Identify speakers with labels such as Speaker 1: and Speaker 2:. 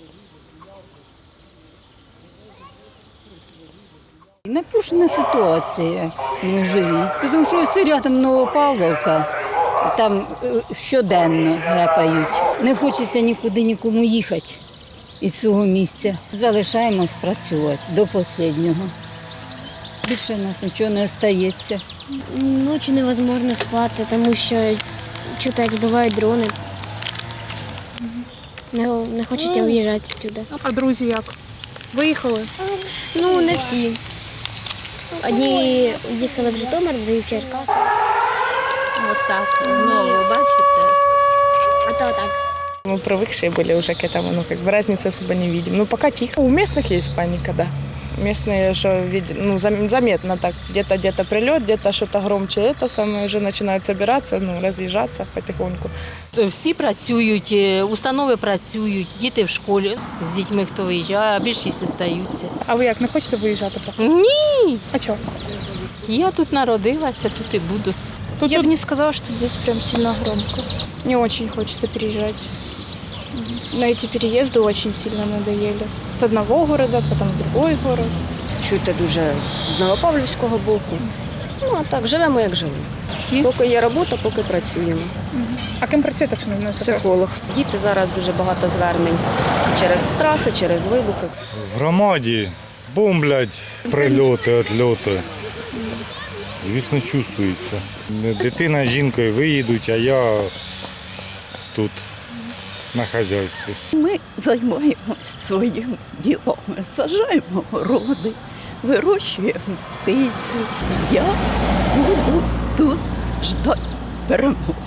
Speaker 1: Напружена ситуація ми живі, тому що ось рядом Новопавловка, там щоденно гепають. Не хочеться нікуди нікому їхати із свого місця. Залишаємось працювати до останнього. Більше в нас нічого не остається.
Speaker 2: Ночі невозможно спати, тому що чути, як збивають дрони. Не хочеться виїжджати сюди.
Speaker 3: А друзі як? Виїхали?
Speaker 2: Ну, не всі. Одні їхали в Житомир, другі в Черкаси.
Speaker 4: Вот так, знову, бачите?
Speaker 2: А то так.
Speaker 5: Мы привыкшие были уже к этому, ну, как бы разницы особо не видим. Ну, пока тихо. У местных есть паника, да. Местные что видят, ну, заметно так. Где-то прилет, где-то что-то громче. Это самое уже начинают собираться, ну, разъезжаться потихоньку.
Speaker 4: Всі працюють, установи працюють, діти в школі з дітьми, хто виїжджає, а більшість залишаються.
Speaker 3: А ви як, не хочете виїжджати поки?
Speaker 4: Ні,
Speaker 3: А чого?
Speaker 4: я тут народилася, тут і буду.
Speaker 3: Тут
Speaker 6: Не сказала, что здесь прям сильно громко. Не очень хочется переезжать. Но эти переезды очень сильно надоели. С одного города, потом в другой город.
Speaker 7: Чути дуже з Новопавлівського боку. Ну, а так, живемо, як жили. Поки є робота, поки працюємо.
Speaker 3: А ким працюєте, якщо не секрет?
Speaker 7: Психолог. Діти зараз дуже багато звернень через страхи, через вибухи.
Speaker 8: В громаді бомблять, прильоти, відльоти. Звісно, чувствується. Дитина з жінкою виїдуть, а я тут на хазяйстві.
Speaker 9: Ми займаємося своїм ділом. Саджаємо городи, вирощуємо птицю. Я буду тут ждати перемоги.